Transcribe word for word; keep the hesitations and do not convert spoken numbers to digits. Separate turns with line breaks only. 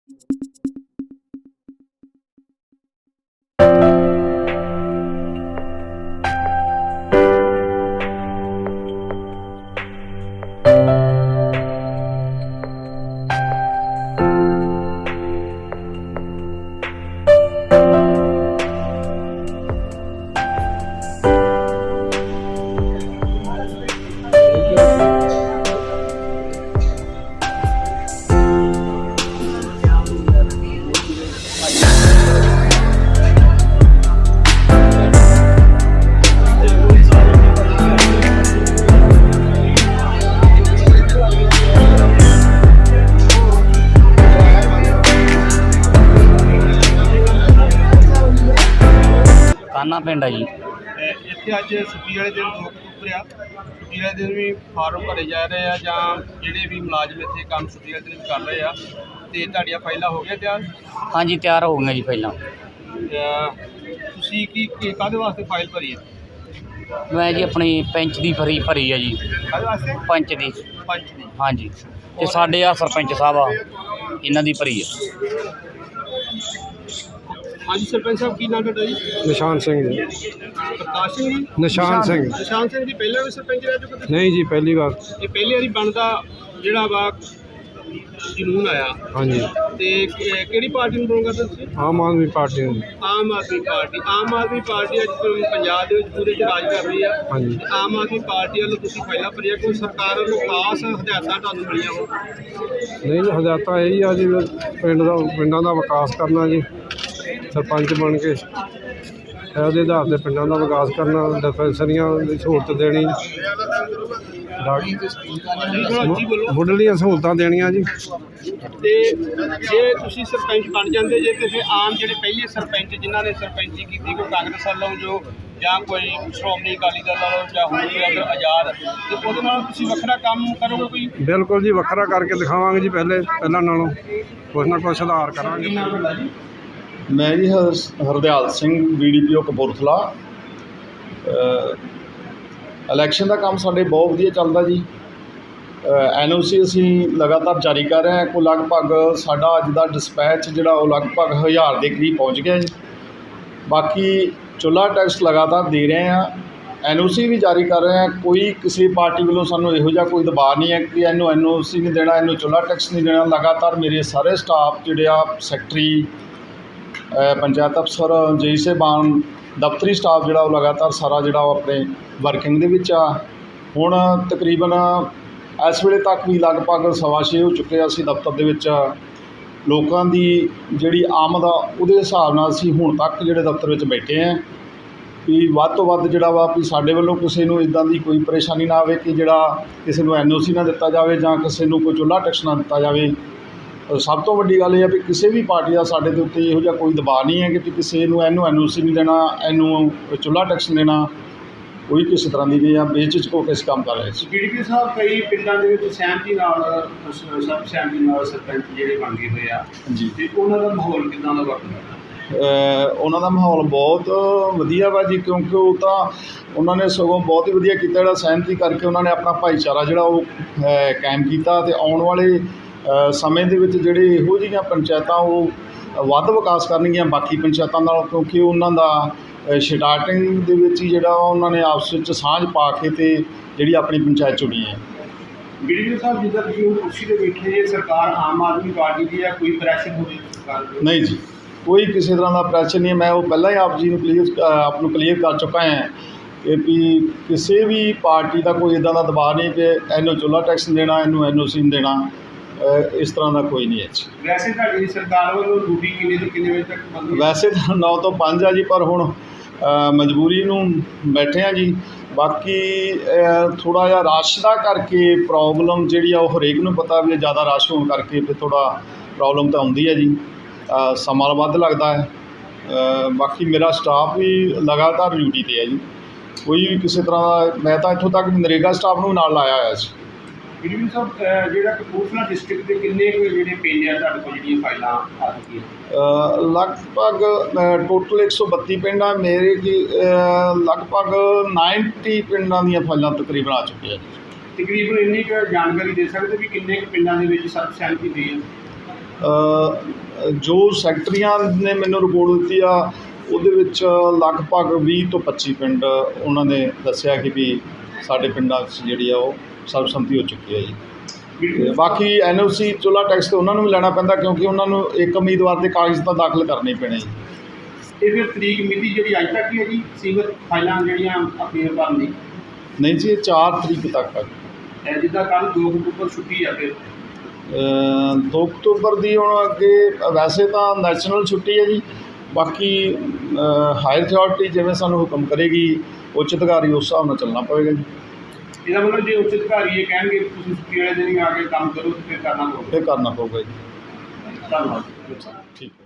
ਕਾਨਾ ਪਿੰਡ ਆ ਜੀ।
ਇੱਥੇ ਅੱਜ ਛੁੱਟੀ ਵਾਲੇ ਦਿਨ ਲੋਕ ਉਤਰਿਆ ਛੁੱਟੀ ਵਾਲੇ ਦਿਨ ਵੀ ਫਾਰਮ ਭਰੇ ਜਾ ਰਹੇ ਆ ਜਾਂ ਜਿਹੜੇ ਵੀ ਮੁਲਾਜ਼ਮ ਇੱਥੇ ਕੰਮ ਛੁੱਟੀ ਵਾਲੇ ਦਿਨ ਕਰ ਰਹੇ ਆ ਅਤੇ ਤੁਹਾਡੀਆਂ ਫਾਈਲਾਂ ਹੋ ਗਈਆਂ ਤਿਆਰ?
ਹਾਂਜੀ ਤਿਆਰ ਹੋ ਗਈਆਂ ਜੀ ਫਾਈਲਾਂ।
ਤੁਸੀਂ ਕੀ ਕੀ ਕਾਹਦੇ ਵਾਸਤੇ ਫਾਈਲ ਭਰੀ ਹੈ?
ਮੈਂ ਜੀ ਆਪਣੀ ਪੈਂਚ ਦੀ ਭਰੀ ਭਰੀ ਆ ਜੀ।
ਕਾਹਦੇ ਵਾਸਤੇ?
ਪੰਚ ਦੀ।
ਪੰਚ ਦੀ।
ਹਾਂਜੀ ਅਤੇ ਸਾਡੇ ਆ ਸਰਪੰਚ ਸਾਹਿਬ ਆ ਇਹਨਾਂ ਦੀ ਭਰੀ ਆ।
ਹਾਂਜੀ ਸਰਪੰਚ ਸਾਹਿਬ ਕੀ ਨਾਮ ਤੁਹਾਡਾ ਜੀ?
ਨਿਸ਼ਾਨ ਸਿੰਘ ਜੀ।
ਪ੍ਰਕਾਸ਼ ਸਿੰਘ ਜੀ?
ਨਿਸ਼ਾਨ ਸਿੰਘ।
ਨਿਸ਼ਾਨ ਸਿੰਘ ਜੀ ਪਹਿਲਾਂ ਵੀ ਸਰਪੰਚ ਰਹਿ ਚੁੱਕੇ?
ਨਹੀਂ ਜੀ, ਪਹਿਲੀ ਵਾਰ।
ਇਹ ਪਹਿਲੀ ਵਾਰੀ ਬਣਦਾ ਜਿਹੜਾ ਵਾ ਕਾਨੂੰਨ ਆਇਆ?
ਹਾਂਜੀ।
ਤੇ ਕਿਹੜੀ ਪਾਰਟੀ ਨੂੰ ਬਣਾਉਂਗਾ ਤੁਸੀਂ?
ਆਮ ਆਦਮੀ ਪਾਰਟੀ ਨੂੰ।
ਆਮ ਆਦਮੀ ਪਾਰਟੀ। ਆਮ ਆਦਮੀ ਪਾਰਟੀ ਅੱਜ ਪੰਜਾਬ ਦੇ ਵਿੱਚ ਪੂਰੇ 'ਚ ਰਾਜ ਕਰ ਰਹੀ ਆ।
ਹਾਂਜੀ।
ਆਮ ਆਦਮੀ ਪਾਰਟੀ ਵੱਲੋਂ ਤੁਸੀਂ ਫਾਈਲਾਂ ਭਰੀਆਂ, ਕੋਈ ਸਰਕਾਰ ਵੱਲੋਂ ਖਾਸ ਹਦਾਇਤਾਂ ਤੁਹਾਨੂੰ ਮਿਲੀਆਂ ਹੋਣ?
ਨਹੀਂ ਜੀ, ਹਦਾਇਤਾਂ ਇਹੀ ਆ ਜੀ, ਪਿੰਡ ਦਾ ਪਿੰਡਾਂ ਦਾ ਵਿਕਾਸ ਕਰਨਾ ਜੀ, ਸਰਪੰਚ ਬਣ ਕੇ ਉਹਦੇ ਆਧਾਰ 'ਤੇ ਪਿੰਡਾਂ ਦਾ ਵਿਕਾਸ ਕਰਨਾ, ਡਿਸਪੈਂਸਰੀਆਂ ਦੀ ਸਹੂਲਤ ਦੇਣੀ, ਮੁੱਢਲੀਆਂ ਸਹੂਲਤਾਂ ਦੇਣੀਆਂ ਜੀ।
ਤੇ ਜੇ ਤੁਸੀਂ ਸਰਪੰਚ ਬਣ ਜਾਂਦੇ ਜੇ ਤੇ ਫਿਰ ਆਮ ਜਿਹੜੇ ਪਹਿਲੇ ਸਰਪੰਚ ਜਿਨ੍ਹਾਂ ਨੇ ਸਰਪੰਚੀ ਕੀਤੀ, ਕੋਈ ਕਾਂਗਰਸ ਵੱਲੋਂ ਜੋ ਜਾਂ ਕੋਈ ਸ਼੍ਰੋਮਣੀ ਅਕਾਲੀ ਦਲ ਵੱਲੋਂ ਜਾਂ ਹੁਣ ਵੀ ਅਗਰ ਆਜ਼ਾਦ, ਤੇ ਉਹਦੇ ਨਾਲ ਤੁਸੀਂ ਵੱਖਰਾ ਕੰਮ ਕਰੋਗੇ ਕੋਈ?
ਬਿਲਕੁਲ ਜੀ, ਵੱਖਰਾ ਕਰਕੇ ਦਿਖਾਵਾਂਗੇ ਜੀ। ਪਹਿਲੇ ਪਹਿਲਾਂ ਨਾਲੋਂ ਕੁਛ ਨਾ ਕੁਛ ਸੁਧਾਰ ਕਰਾਂਗੇ।
ਮੈਂ ਜੀ Hardial Singh, B D P O Kapurthala. Election ਦਾ ਕੰਮ ਸਾਡੇ ਬਹੁਤ ਵਧੀਆ ਚੱਲਦਾ ਜੀ। ਐਨ ਓ ਸੀ ਅਸੀਂ ਲਗਾਤਾਰ ਜਾਰੀ ਕਰ ਰਹੇ ਹਾਂ। ਕੋਈ ਲਗਭਗ ਸਾਡਾ ਅੱਜ ਦਾ ਡਿਸਪੈਚ ਜਿਹੜਾ ਉਹ ਲਗਭਗ ਹਜ਼ਾਰ ਦੇ ਕਰੀਬ ਪਹੁੰਚ ਗਿਆ ਜੀ। ਬਾਕੀ ਚੁੱਲ੍ਹਾ ਟੈਕਸ ਲਗਾਤਾਰ ਦੇ ਰਹੇ ਹਾਂ, ਐਨ ਓ ਸੀ ਵੀ ਜਾਰੀ ਕਰ ਰਹੇ ਹਾਂ। ਕੋਈ ਕਿਸੇ ਪਾਰਟੀ ਵੱਲੋਂ ਸਾਨੂੰ ਇਹੋ ਜਿਹਾ ਕੋਈ ਦਬਾਅ ਨਹੀਂ ਹੈ ਕਿ ਇਹਨੂੰ ਐਨ ਓ ਸੀ ਨਹੀਂ ਦੇਣਾ, ਇਹਨੂੰ ਚੁੱਲ੍ਹਾ ਟੈਕਸ ਨਹੀਂ ਦੇਣਾ। ਲਗਾਤਾਰ ਮੇਰੇ ਸਾਰੇ ਸਟਾਫ ਜਿਹੜੇ ਆ, ਸੈਕਟਰੀ, ਪੰਚਾਇਤ ਅਫਸਰ, ਜੇਈ ਸਾਹਿਬਾਨ, ਦਫ਼ਤਰੀ ਸਟਾਫ ਜਿਹੜਾ ਉਹ ਲਗਾਤਾਰ ਸਾਰਾ ਜਿਹੜਾ ਉਹ ਆਪਣੇ ਵਰਕਿੰਗ ਦੇ ਵਿੱਚ ਆ। ਹੁਣ ਤਕਰੀਬਨ ਇਸ ਵੇਲੇ ਤੱਕ ਵੀ ਲਗਭਗ ਸਵਾ ਛੇ ਹੋ ਚੁੱਕੇ ਆ। ਅਸੀਂ ਦਫ਼ਤਰ ਦੇ ਵਿੱਚ ਲੋਕਾਂ ਦੀ ਜਿਹੜੀ ਆਮਦ ਆ ਉਹਦੇ ਹਿਸਾਬ ਨਾਲ ਅਸੀਂ ਹੁਣ ਤੱਕ ਜਿਹੜੇ ਦਫ਼ਤਰ ਵਿੱਚ ਬੈਠੇ ਹਾਂ ਵੀ ਵੱਧ ਤੋਂ ਵੱਧ ਜਿਹੜਾ ਵਾ ਵੀ ਸਾਡੇ ਵੱਲੋਂ ਕਿਸੇ ਨੂੰ ਇੱਦਾਂ ਦੀ ਕੋਈ ਪਰੇਸ਼ਾਨੀ ਨਾ ਆਵੇ ਕਿ ਜਿਹੜਾ ਕਿਸੇ ਨੂੰ ਐਨ ਓ ਸੀ ਨਾ ਦਿੱਤਾ ਜਾਵੇ ਜਾਂ ਕਿਸੇ ਨੂੰ ਕੋਈ ਚੁੱਲ੍ਹਾ ਟੈਕਸ ਨਾ ਦਿੱਤਾ ਜਾਵੇ। ਸਭ ਤੋਂ ਵੱਡੀ ਗੱਲ ਇਹ ਹੈ ਵੀ ਕਿਸੇ ਵੀ ਪਾਰਟੀ ਦਾ ਸਾਡੇ ਦੇ ਉੱਤੇ ਇਹੋ ਜਿਹਾ ਕੋਈ ਦਬਾਅ ਨਹੀਂ ਹੈ ਕਿ ਕਿਸੇ ਨੂੰ ਇਹਨੂੰ ਐਨ ਓ ਸੀ ਨਹੀਂ ਦੇਣਾ, ਇਹਨੂੰ ਚੁੱਲ੍ਹਾ ਟੈਕਸ ਨਹੀਂ ਦੇਣਾ, ਕੋਈ ਕਿਸੇ ਤਰ੍ਹਾਂ ਦੀ ਨਹੀਂ ਆ। ਬੇਝਿਜਕ ਹੋ ਕੇ ਅਸੀਂ ਕੰਮ ਕਰ ਰਹੇ ਸੀ।
ਡੀ ਡੀ ਪੀ ਸਾਹਿਬ, ਕਈ ਪਿੰਡਾਂ ਦੇ ਵਿੱਚ ਸਹਿਮਤੀ ਨਾਲ, ਸਭ ਸਹਿਮਤੀ ਨਾਲ ਸਰਪੰਚ ਜਿਹੜੇ ਬਣ ਗਏ ਹੋਏ ਆ
ਜੀ,
ਤੇ ਉਹਨਾਂ ਦਾ ਮਾਹੌਲ ਕਿੱਦਾਂ ਦਾ ਵਰਤਦਾ?
ਉਹਨਾਂ ਦਾ ਮਾਹੌਲ ਬਹੁਤ ਵਧੀਆ ਵਾ ਜੀ, ਕਿਉਂਕਿ ਉਹ ਤਾਂ ਉਹਨਾਂ ਨੇ ਸਗੋਂ ਬਹੁਤ ਹੀ ਵਧੀਆ ਕੀਤਾ ਜਿਹੜਾ ਸਹਿਮਤੀ ਕਰਕੇ ਉਹਨਾਂ ਨੇ ਆਪਣਾ ਭਾਈਚਾਰਾ ਜਿਹੜਾ ਉਹ ਕਾਇਮ ਕੀਤਾ। ਅਤੇ ਆਉਣ ਵਾਲੇ ਸਮੇਂ ਦੇ ਵਿੱਚ ਜਿਹੜੇ ਇਹੋ ਜਿਹੀਆਂ ਪੰਚਾਇਤਾਂ ਉਹ ਵੱਧ ਵਿਕਾਸ ਕਰਨਗੀਆਂ ਬਾਕੀ ਪੰਚਾਇਤਾਂ ਨਾਲੋਂ, ਕਿਉਂਕਿ ਉਹਨਾਂ ਦਾ ਸਟਾਰਟਿੰਗ ਦੇ ਵਿੱਚ ਹੀ ਜਿਹੜਾ ਉਹਨਾਂ ਨੇ ਆਪਸ ਵਿੱਚ ਸਾਂਝ ਪਾ ਕੇ ਅਤੇ ਜਿਹੜੀ ਆਪਣੀ ਪੰਚਾਇਤ ਚੁਣੀ ਹੈ।
ਡੀ ਡੀ ਪੀ ਸਾਹਿਬ, ਜਿੱਦਾਂ ਤੁਸੀਂ ਕੁਰਸੀ ਦੇ ਬੈਠੇ ਜੇ, ਸਰਕਾਰ ਆਮ ਆਦਮੀ ਪਾਰਟੀ ਦੀ ਆ, ਕੋਈ ਪ੍ਰੈਸ਼ਰ ਹੋਵੇ ਸਰਕਾਰ ਦੇ?
ਨਹੀਂ ਜੀ, ਕੋਈ ਕਿਸੇ ਤਰ੍ਹਾਂ ਦਾ ਪ੍ਰੈਸ਼ਰ ਨਹੀਂ ਹੈ। ਮੈਂ ਉਹ ਪਹਿਲਾਂ ਹੀ ਆਪ ਜੀ ਨੂੰ ਕਲੀਅਰ ਆਪ ਨੂੰ ਕਲੀਅਰ ਕਰ ਚੁੱਕਾ ਹਾਂ ਕਿ ਵੀ ਕਿਸੇ ਵੀ ਪਾਰਟੀ ਦਾ ਕੋਈ ਇੱਦਾਂ ਦਾ ਦਬਾਅ ਨਹੀਂ ਕਿ ਇਹਨੂੰ ਚੁੱਲ੍ਹਾ ਟੈਕਸ ਦੇਣਾ, ਇਹਨੂੰ ਐਨ ਓ ਸੀ ਨਹੀਂ ਦੇਣਾ, ਇਸ ਤਰ੍ਹਾਂ ਦਾ ਕੋਈ ਨਹੀਂ ਹੈ ਜੀ।
ਵੈਸੇ ਤੁਹਾਡੀ ਸਰਕਾਰ ਵੱਲੋਂ ਡਿਊਟੀ ਕਿੰਨੇ ਤੋਂ ਕਿੰਨੇ ਵਜੇ ਤੱਕ ਬੰਦ?
ਵੈਸੇ ਤਾਂ ਨੌ ਤੋਂ ਪੰਜ ਆ ਜੀ, ਪਰ ਹੁਣ ਮਜਬੂਰੀ ਨੂੰ ਬੈਠੇ ਆ ਜੀ। ਬਾਕੀ ਥੋੜ੍ਹਾ ਜਿਹਾ ਰਸ਼ ਦਾ ਕਰਕੇ ਪ੍ਰੋਬਲਮ ਜਿਹੜੀ ਆ ਉਹ ਹਰੇਕ ਨੂੰ ਪਤਾ ਵੀ ਜ਼ਿਆਦਾ ਰਸ਼ ਹੋਣ ਕਰਕੇ ਫਿਰ ਥੋੜ੍ਹਾ ਪ੍ਰੋਬਲਮ ਤਾਂ ਆਉਂਦੀ ਹੈ ਜੀ, ਸਮਾਂ ਵੱਧ ਲੱਗਦਾ ਹੈ। ਬਾਕੀ ਮੇਰਾ ਸਟਾਫ ਵੀ ਲਗਾਤਾਰ ਡਿਊਟੀ 'ਤੇ ਹੈ ਜੀ। ਕੋਈ ਵੀ ਕਿਸੇ ਤਰ੍ਹਾਂ ਦਾ, ਮੈਂ ਤਾਂ ਇੱਥੋਂ ਤੱਕ ਨਰੇਗਾ ਸਟਾਫ ਨੂੰ ਨਾਲ ਲਾਇਆ ਹੋਇਆ ਸੀ।
ਡੀ ਡੀ ਪੀ ਸਾਹਿਬ, ਜਿਹੜਾ ਕਪੂਰਥਲਾ ਡਿਸਟ੍ਰਿਕਟ ਦੇ ਕਿੰਨੇ ਕੁ ਜਿਹੜੇ ਪਿੰਡ ਆ ਤੁਹਾਡੇ ਕੋਲ ਜਿਹੜੀਆਂ ਫਾਈਲਾਂ ਆ ਚੁੱਕੀਆਂ?
ਲਗਭਗ ਟੋਟਲ ਇੱਕ ਸੌ ਬੱਤੀ ਪਿੰਡ ਆ ਮੇਰੇ ਕੀ, ਲਗਭਗ ਨਾਈਨਟੀ ਪਿੰਡਾਂ ਦੀਆਂ ਫਾਈਲਾਂ ਤਕਰੀਬਨ ਆ ਚੁੱਕੀਆਂ ਜੀ।
ਤਕਰੀਬਨ ਇੰਨੀ ਕੁ ਜਾਣਕਾਰੀ ਦੇ ਸਕਦੇ ਵੀ ਕਿੰਨੇ ਕੁ ਪਿੰਡਾਂ ਦੇ ਵਿੱਚ ਸਰਬਸਹਿਮਤੀ ਹੋਈ ਹੈ?
ਅ, ਜੋ ਸੈਕਟਰੀਆਂ ਨੇ ਮੈਨੂੰ ਰਿਪੋਰਟ ਦਿੱਤੀ ਆ ਉਹਦੇ ਵਿੱਚ ਲਗਭਗ ਵੀਹ ਤੋਂ ਪੱਚੀ ਪਿੰਡ ਉਹਨਾਂ ਨੇ ਦੱਸਿਆ ਕਿ ਵੀ ਸਾਡੇ ਪਿੰਡਾਂ ਵਿੱਚ ਜਿਹੜੀ ਆ ਉਹ ਸਰਬਸੰਮਤੀ ਹੋ ਚੁੱਕੀ ਹੈ ਜੀ। ਤੇ ਬਾਕੀ ਐਨ ਓ ਸੀ ਚੁੱਲ੍ਹਾ ਟੈਕਸ ਤਾਂ ਉਹਨਾਂ ਨੂੰ ਵੀ ਲੈਣਾ ਪੈਂਦਾ ਕਿਉਂਕਿ ਉਹਨਾਂ ਨੂੰ ਇੱਕ ਉਮੀਦਵਾਰ ਦੇ ਕਾਗਜ਼ ਤਾਂ ਦਾਖਲ ਕਰਨੇ ਪੈਣੇ ਜੀ।
ਇਹ ਫਿਰ ਤਰੀਕ ਮਿਤੀ ਜਿਹੜੀ ਅੱਜ ਤੱਕ ਹੀ ਹੈ ਜੀ ਸੀਮਤ ਫਾਈਲਾਂ ਜਿਹੜੀਆਂ ਅਪੀਲ ਕਰਨ ਦੀ?
ਨਹੀਂ ਜੀ, ਇਹ ਚਾਰ ਤਰੀਕ ਤੱਕ ਆ।
ਇਹ ਜਿੱਦਾਂ ਕੱਲ੍ਹ ਦੋ ਅਕਤੂਬਰ ਛੁੱਟੀ ਆ ਫਿਰ
ਅ, ਦੋ ਅਕਤੂਬਰ ਦੀ ਹੁਣ ਅੱਗੇ ਵੈਸੇ ਤਾਂ ਨੈਸ਼ਨਲ ਛੁੱਟੀ ਹੈ ਜੀ। ਬਾਕੀ ਹਾਇਰ ਅਥਾਰਟੀ ਜਿਵੇਂ ਸਾਨੂੰ ਹੁਕਮ ਕਰੇਗੀ ਉੱਚ ਅਧਿਕਾਰੀ ਉਸ ਹਿਸਾਬ ਨਾਲ ਚੱਲਣਾ ਪਵੇਗਾ ਜੀ।
ਇਹਦਾ ਮਤਲਬ ਜੇ ਉੱਚ ਅਧਿਕਾਰੀ ਇਹ ਕਹਿਣਗੇ ਕਿ ਤੁਸੀਂ ਛੁੱਟੀ ਵਾਲੇ ਦਿਨ ਹੀ ਆ ਕੇ ਕੰਮ ਕਰੋ ਤੇ ਫਿਰ ਕਰਨਾ ਪਊਗਾ।
ਫਿਰ ਕਰਨਾ ਪਊਗਾ ਜੀ।
ਧੰਨਵਾਦ।
ਠੀਕ ਹੈ।